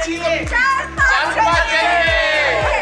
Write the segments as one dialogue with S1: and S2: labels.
S1: चाहिए जज्बा चाहिए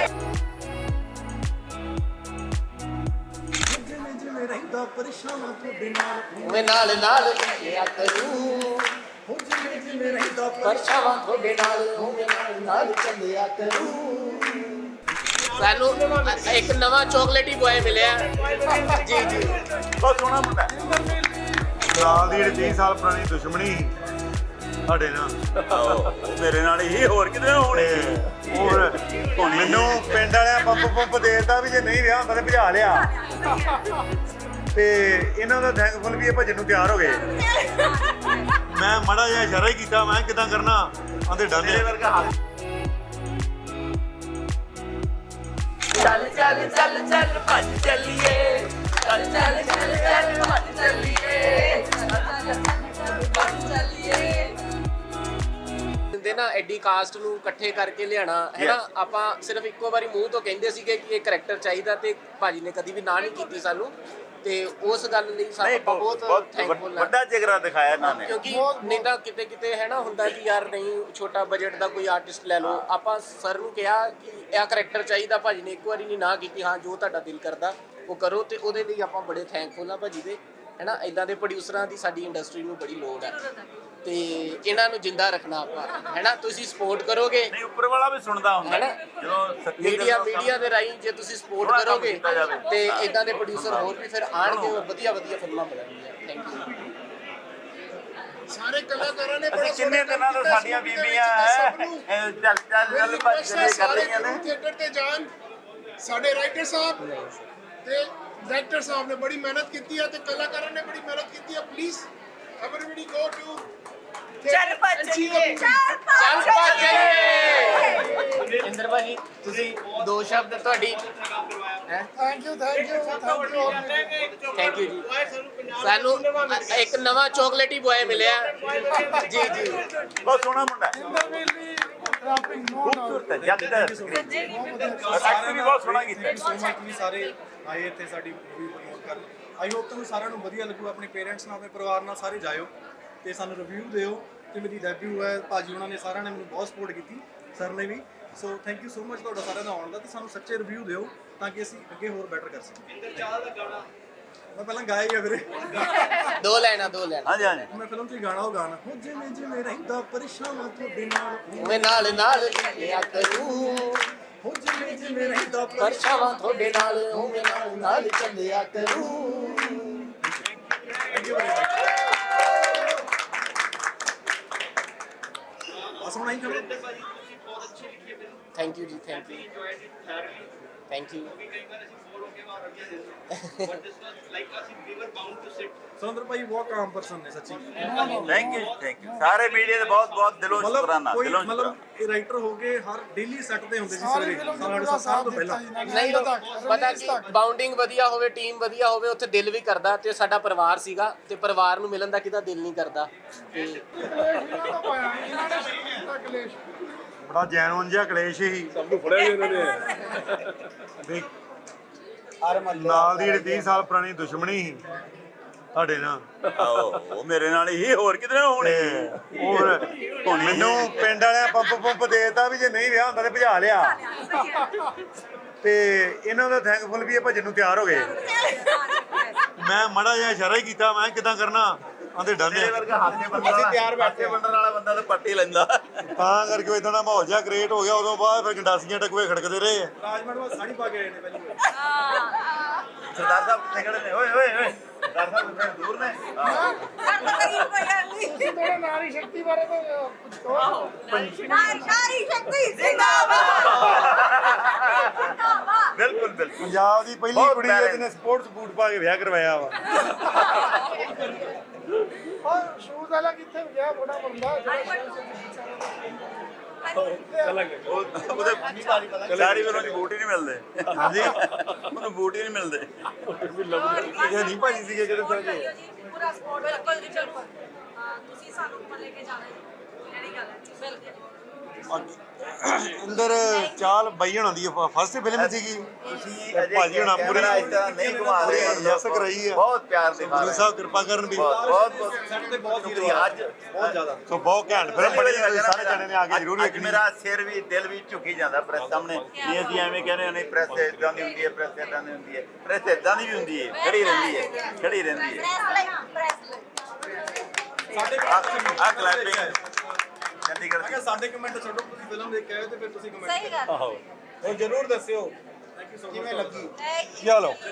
S1: मैं नाल नाल चलिया करूं परछावां थोड़े नाल मैं नाल चलिया करूं सानू एक नवा चॉकलेटी बॉय मिलिया जी जी
S2: बहुत सोहना मुंडा ਨਾਲ ਦੀ 30 ਸਾਲ ਪੁਰਾਣੀ ਦੁਸ਼ਮਣੀ ਸਾਡੇ ਨਾਲ ਮੇਰੇ ਨਾਲ ਹੀ ਹੋਰ ਕਿਤੇ ਹੋਣੀ ਹੋਰ ਮੈਨੂੰ ਪਿੰਡ ਵਾਲਿਆਂ ਪੰਪ ਦੇਤਾ ਵੀ ਜੇ ਨਹੀਂ ਵਿਆਹ ਹੁੰਦਾ ਤੇ ਭਜਾ ਲਿਆ ਤੇ ਇਹਨਾਂ ਦਾ ਥੈਂਕਫੁਲ ਵੀ ਇਹ ਭਜਨ ਨੂੰ ਤਿਆਰ ਹੋ ਗਏ ਮੈਂ ਮਾੜਾ ਜਿਹਾ ਇਸ਼ਾਰਾ ਹੀ ਕੀਤਾ ਮੈਂ ਕਿਦਾਂ ਕਰਨਾ ਆਂਦੇ ਡਾਲੇ ਵਰਗਾ
S1: चल चल चल चल भज चलिए चल चल चल चल भज चलिए ਨਾ ਐਡੀ ਕਾਸਟ ਨੂੰ ਇਕੱਠੇ ਕਰਕੇ ਲਿਆਣਾ ਹੈ ਨਾ ਆਪਾਂ ਸਿਰਫ ਇੱਕੋ ਵਾਰੀ ਮੂੰਹ ਤੋਂ ਕਹਿੰਦੇ ਸੀਗੇ ਕਿ ਇਹ ਕਰੈਕਟਰ ਚਾਹੀਦਾ ਤੇ ਭਾਜੀ ਨੇ ਕਦੀ ਵੀ ਨਾ ਨਹੀਂ ਕੀਤੀ ਸਾਨੂੰ ਤੇ ਉਸ ਗੱਲ ਲਈ ਸਾਨੂੰ ਬਹੁਤ ਥੈਂਕਫੁਲ
S2: ਵੱਡਾ ਜਿਗਰਾ ਦਿਖਾਇਆ ਇਹਨਾਂ ਨੇ
S1: ਕਿਉਂਕਿ ਨਹੀਂ ਤਾਂ ਕਿਤੇ ਕਿਤੇ ਹੈ ਨਾ ਹੁੰਦਾ ਕਿ ਯਾਰ ਨਹੀਂ ਛੋਟਾ ਬਜਟ ਦਾ ਕੋਈ ਆਰਟਿਸਟ ਲੈ ਲਓ ਆਪਾਂ ਸਰ ਨੂੰ ਕਿਹਾ ਕਿ ਇਹ ਕਰੈਕਟਰ ਚਾਹੀਦਾ ਭਾਜੀ ਨੇ ਇੱਕ ਵਾਰੀ ਨਹੀਂ ਨਾ ਕੀਤੀ ਹਾਂ ਜੋ ਤੁਹਾਡਾ ਦਿਲ ਕਰਦਾ ਉਹ ਕਰੋ ਤੇ ਉਹਦੇ ਲਈ ਆਪਾਂ ਬੜੇ ਥੈਂਕਫੁਲ ਆ ਭਾਜੀ ਦੇ ਹੈ ਨਾ ਇਦਾਂ ਦੇ ਪ੍ਰੋਡਿਊਸਰਾਂ ਦੀ ਸਾਡੀ ਇੰਡਸਟਰੀ ਨੂੰ ਬੜੀ ਲੋੜ ਹੈ ਤੇ ਇਹਨਾਂ ਨੂੰ ਜਿੰਦਾ ਰੱਖਣਾ ਆਪਾਂ ਹੈ ਨਾ ਤੁਸੀਂ ਸਪੋਰਟ ਕਰੋਗੇ
S2: ਨਹੀਂ ਉੱਪਰ ਵਾਲਾ ਵੀ ਸੁਣਦਾ ਹੁੰਦਾ ਜਦੋਂ
S1: ਮੀਡੀਆ ਦੇ ਰਾਹੀਂ ਜੇ ਤੁਸੀਂ ਸਪੋਰਟ ਕਰੋਗੇ ਤੇ ਇਦਾਂ ਦੇ ਪ੍ਰੋਡਿਊਸਰ ਹੋਰ ਵੀ ਫਿਰ ਆਣਗੇ ਵਧੀਆ ਵਧੀਆ ਫਿਲਮਾਂ ਬਣਾਉਣਗੀਆਂ ਥੈਂਕ ਯੂ
S3: ਸਾਰੇ ਕਲਾਕਾਰਾਂ ਨੇ ਬੜਾ
S2: ਕਿੰਨੇ ਦਿਨਾਂ ਤੋਂ ਸਾਡੀਆਂ ਬੀਬੀਆਂ ਚੱਲ ਚੱਲ ਭੱਜ ਕਰ ਰਹੀਆਂ ਨੇ
S3: ਥੀਏਟਰ ਤੇ ਜਾਣ ਸਾਡੇ ਰਾਈਟਰ ਸਾਹਿਬ ਤੇ ਡਾਇਰੈਕਟਰ ਸਾਹਿਬ ਨੇ ਬੜੀ ਮਿਹਨਤ ਕੀਤੀ ਹੈ ਤੇ ਕਲਾਕਾਰਾਂ ਨੇ ਬੜੀ ਮਿਹਨਤ ਕੀਤੀ ਹੈ ਪਲੀਜ਼ ਐਵਰੀਬਾਡੀ ਗੋ ਟੂ
S4: ਚੱਲ ਭੱਜ ਚਲੀਏ
S1: ਚੱਲ ਭਾਜੀ ਇੰਦਰ ਭਾਜੀ ਤੁਸੀਂ ਦੋ ਸ਼ਬਦ ਤੁਹਾਡੀ ਹੈ
S3: ਥੈਂਕ ਯੂ
S1: ਥੈਂਕ ਯੂ ਜੀ ਸਾਨੂੰ ਇੱਕ ਨਵਾਂ ਚੋਕਲੇਟੀ ਬॉय ਮਿਲਿਆ ਜੀ ਜੀ
S2: ਬਹੁਤ ਸੋਹਣਾ ਮੁੰਡਾ ਖੂਬਸੂਰਤ ਹੈ ਜੱਟ ਐਕਟਰ ਵੀ ਬਹੁਤ ਸੋਹਣਾ ਕੀਤਾ
S5: ਸੋ ਮਚ ਵੀ ਸਾਰੇ ਆਏ ਇੱਥੇ ਸਾਡੀ ਮੂਵੀ ਪ੍ਰਮੋਟ ਕਰਨ ਆਈ ਹੋਪ ਤੁਹਾਨੂੰ ਸਾਰਿਆਂ ਨੂੰ ਵਧੀਆ ਲੱਗੂ ਆਪਣੇ ਪੇਰੈਂਟਸ ਨਾਲ ਆਪਣੇ ਪਰਿਵਾਰ ਨਾਲ ਸਾਰੇ ਜਾਇਓ ਤੇ ਸਾਨੂੰ ਰਿਵਿਊ ਦਿਓ ਤੇ ਮੇਰੀ ਡੈਬਿਊ ਹੈ ਭਾਜੀ ਉਹਨਾਂ ਨੇ ਸਾਰਿਆਂ ਨੇ ਮੈਨੂੰ ਬਹੁਤ ਸਪੋਰਟ ਕੀਤੀ ਸਰ ਨੇ ਵੀ so thank you so much ਤੁਹਾਡਾ ਸਾਰਿਆਂ ਦਾ ਆਉਣ ਦਾ ਤੇ ਸਾਨੂੰ ਸੱਚੇ ਰਿਵਿਊ ਦਿਓ ਤਾਂ ਕਿ ਅਸੀਂ ਅੱਗੇ ਹੋਰ ਬੈਟਰ ਕਰ ਸਕੀਏ ਇੰਦਰ ਚਾਹਲ ਦਾ ਗਾਣਾ ਮੈਂ ਪਹਿਲਾਂ ਗਾਇਆ ਹੀ ਆ ਵੀਰੇ
S1: ਦੋ ਲੈਣਾ
S2: ਹਾਂਜੀ ਹਾਂਜੀ
S5: ਮੈਂ ਫਿਲਮ 'ਚ ਗਾਣਾ ਉਹ ਗਾਣਾ ਹੋ ਜਿਵੇਂ ਜਿਵੇਂ ਰਹਿੰਦਾ ਪਰੇਸ਼ਾਨ ਤੁਹਾਡੇ ਨਾਲ
S1: ਮੈਂ ਨਾਲ ਨਾਲ ਚੱਲਿਆ ਕਰੂੰ
S5: ਹੋ ਜਿਵੇਂ ਜਿਵੇਂ ਰਹਿੰਦਾ
S1: ਪਰਛਾਵਾਂ ਤੁਹਾਡੇ ਨਾਲ ਮੈਂ ਨਾਲ ਨਾਲ ਚੱਲਿਆ ਕਰੂੰ
S5: ਥੈਂਕ ਯੂ ਅਸਮ ਨਹੀਂ ਕਰੋ
S1: thank you ji thank you thank you
S5: Surinder ਭਾਈ ਬਹੁਤ ਕਾਮ ਪਰਸਨ ਨੇ ਸੱਚੀ
S2: ਥੈਂਕ ਯੂ ਸਾਰੇ ਮੀਡੀਆ ਦੇ ਬਹੁਤ ਬਹੁਤ ਦਿਲੋਂ ਸ਼ੁਕਰਾਨਾ ਦਿਲੋਂ
S5: ਮਤਲਬ ਇਹ ਰਾਈਟਰ ਹੋ ਕੇ ਹਰ ਡੇਲੀ ਸੈੱਟ ਤੇ ਹੁੰਦੇ ਸੀ ਸਵੇਰੇ ਸਾਡੇ ਸਾਲ ਤੋਂ ਪਹਿਲਾਂ
S1: ਨਹੀਂ ਪਤਾ ਕਿ ਬਾਉਂਡਿੰਗ ਵਧੀਆ ਹੋਵੇ ਟੀਮ ਵਧੀਆ ਹੋਵੇ ਉੱਥੇ ਦਿਲ ਵੀ ਕਰਦਾ ਤੇ ਸਾਡਾ ਪਰਿਵਾਰ ਸੀਗਾ ਤੇ ਪਰਿਵਾਰ ਨੂੰ ਮਿਲਣ ਦਾ ਕਿਹਦਾ ਦਿਲ ਨਹੀਂ ਕਰਦਾ ਤੇ
S2: ਬੜਾ ਜੈਨੂਨ ਜਿਹਾ ਕਲੇਸ਼ ਹੀ ਸਭ ਨੂੰ ਫੜਿਆ ਇਹਨਾਂ ਨੇ ਨਾਲ ਦੀ 30 ਸਾਲ ਪੁਰਾਣੀ ਦੁਸ਼ਮਣੀ ਸੀ ਸਾਡੇ ਨਾਲ ਉਹ ਮੇਰੇ ਨਾਲ ਹੀ ਹੋਰ ਕਿਤੇ ਹੋਣੀ ਹੋਰ ਮੈਨੂੰ ਪਿੰਡ ਵਾਲਿਆਂ ਪੰਪ ਦੇਤਾ ਵੀ ਜੇ ਨਹੀਂ ਵਿਆਹ ਹੁੰਦਾ ਤੇ ਭਜਾ ਲਿਆ ਤੇ ਇਹਨਾਂ ਦਾ ਥੈਂਕਫੁਲ ਵੀ ਇਹ ਭਜਨ ਨੂੰ ਤਿਆਰ ਹੋ ਗਏ ਮੈਂ ਮਾੜਾ ਜਿਹਾ ਇਸ਼ਾਰਾ ਹੀ ਕੀਤਾ ਮੈਂ ਕਿਦਾਂ ਕਰਨਾ ਆਂਦੇ ਡਾਲੇ ਵਰਗਾ ਹਾਸੇ ਬੰਦਾ ਅਸੀਂ ਤਿਆਰ ਬੈਠੇ ਬੰਦਣ ਵਾਲਾ ਬੰਦਾ ਤਾਂ ਪੱਟੀ ਲੈਂਦਾ ਤਾਂ ਕਰਕੇ ਇਦਾਂ ਦਾ ਮਾਹੌਲ ਜਿਹਾ ਕ੍ਰੀਏਟ ਹੋ ਗਿਆ ਉਦੋਂ ਬਾਅਦ ਫਿਰ ਗੰਡਾਸੀਆਂ ਟਕਵੇ ਖੜਕਦੇ ਰਹੇ
S5: ਰਾਜਮੰਡ ਵਿੱਚ ਸਾੜੀ ਪਾ ਕੇ ਆਏ ਨੇ ਪਹਿਲੀ ਵਾਰ
S2: ਸਰਦਾਰ ਸਾਹਿਬ ਕਿੱਥੇ ਖੜੇ ਨੇ ਓਏ ਓਏ ਓਏ ਸਰਦਾਰ ਸਾਹਿਬ ਕਿੱਥੇ ਦੂਰ ਨੇ
S3: ਤੁਸੀਂ ਥੋੜਾ ਨਾਰੀ ਸ਼ਕਤੀ ਬਾਰੇ ਤਾਂ ਕੁਝ ਕਹੋ
S4: ਨਾਰੀ ਸ਼ਕਤੀ ਜ਼ਿੰਦਾਬਾਦ
S2: ਬਿਲਕੁਲ ਬਿਲਕੁਲ ਪੰਜਾਬ ਦੀ ਪਹਿਲੀ ਕੁੜੀ ਜਿਹਨੇ ਸਪੋਰਟਸ ਬੂਟ ਪਾ ਕੇ ਵਿਆਹ ਕਰਵਾਇਆ ਵਾ
S3: ਔਰ ਸ਼ੂਜ਼ ਵਾਲਾ ਕਿੱਥੇ ਗਿਆ ਬੜਾ ਬੰਦਾ
S2: ਉਹਦੇ ਸਾਰੀ ਵਾਰ ਉਹਨੂੰ ਬੂਟ ਹੀ ਨਹੀਂ ਮਿਲਦੇ ਹਾਂਜੀ ਉਹਨੂੰ ਬੂਟ ਹੀ ਨਹੀਂ ਮਿਲਦੇ ਇਹ ਨਹੀਂ ਭਾਜੀ ਸੀਗੇ ਕਿਹੜੇ ਸਾਰੇ
S4: ਪੂਰਾ ਸਪੋਰਟ ਬਿਲਕੁਲ ਜੀ ਬਿਲਕੁਲ ਤੁਸੀਂ ਸਾਨੂੰ ਲੈ ਕੇ ਜਾਣਾ ਜੀ ਜਿਹੜੀ ਗੱਲ ਹੈ ਬਿਲਕੁਲ
S2: ਅੰਦਰ ਚਾਲ ਬਾਈ ਹੋਣਾ ਦੀ ਫਸਟ ਫਿਲਮ ਸੀਗੀ ਭਾਜੀ ਹੋਣਾ ਪੂਰੀ
S6: ਨਹੀਂ ਘੁਮਾ ਰਹੇ
S2: ਯਸ ਕਰਾਈ ਆ
S6: ਬਹੁਤ ਪਿਆਰ ਦੇ
S2: ਗੁਰੂ ਸਾਹਿਬ ਕਿਰਪਾ ਕਰਨ ਵੀ
S6: ਬਹੁਤ
S5: ਸੈੱਟ ਤੇ ਬਹੁਤ
S6: ਸ਼ੁਕਰੀਆ ਅੱਜ
S5: ਬਹੁਤ ਜ਼ਿਆਦਾ
S2: ਸੋ ਬਹੁਤ ਘੈਂਟ ਫਿਲਮ ਬਣੀ ਆ, ਤੁਸੀਂ ਸਾਰੇ ਜਣੇ ਨੇ ਆ ਕੇ ਜ਼ਰੂਰ
S6: ਅੱਜ
S2: ਵੇਖਣੀ
S6: ਮੇਰਾ ਸਿਰ ਵੀ ਦਿਲ ਵੀ ਝੁਕੀ ਜਾਂਦਾ ਪ੍ਰੈਸ ਸਾਹਮਣੇ ਨਹੀਂ ਅਸੀਂ ਐਵੇਂ ਕਹਿੰਦੇ ਨਹੀਂ ਪ੍ਰੈਸ ਇਦਾਂ ਦੀ ਹੁੰਦੀ ਹੈ ਪ੍ਰੈਸ ਇਦਾਂ ਦੀ ਹੁੰਦੀ ਹੈ ਪ੍ਰੈਸ ਇਦਾਂ ਦੀ ਵੀ ਹੁੰਦੀ ਹੈ ਖੜੀ ਰਹਿੰਦੀ ਹੈ ਖੜੀ ਰਹਿੰਦੀ ਹੈ
S5: ਸਾਡੇ
S6: ਆ ਕਲੈਪਿੰਗ ਚੰਡੀਗੜ੍ਹ
S5: ਅਗਰ ਸਾਡੇ ਕਮੈਂਟ ਛੱਡੋ ਤੁਸੀਂ ਫਿਲਮ ਦੇਖ ਕੇ ਆਏ ਤੇ ਫਿਰ ਤੁਸੀਂ ਕਮੈਂਟ
S4: ਸਹੀ ਗੱਲ
S2: ਆਹੋ ਉਹ ਜ਼ਰੂਰ ਦੱਸਿਓ
S5: ਥੈਂਕ ਯੂ ਸੋ ਮਚ
S2: ਕਿਵੇਂ ਲੱਗੀ ਚਲੋ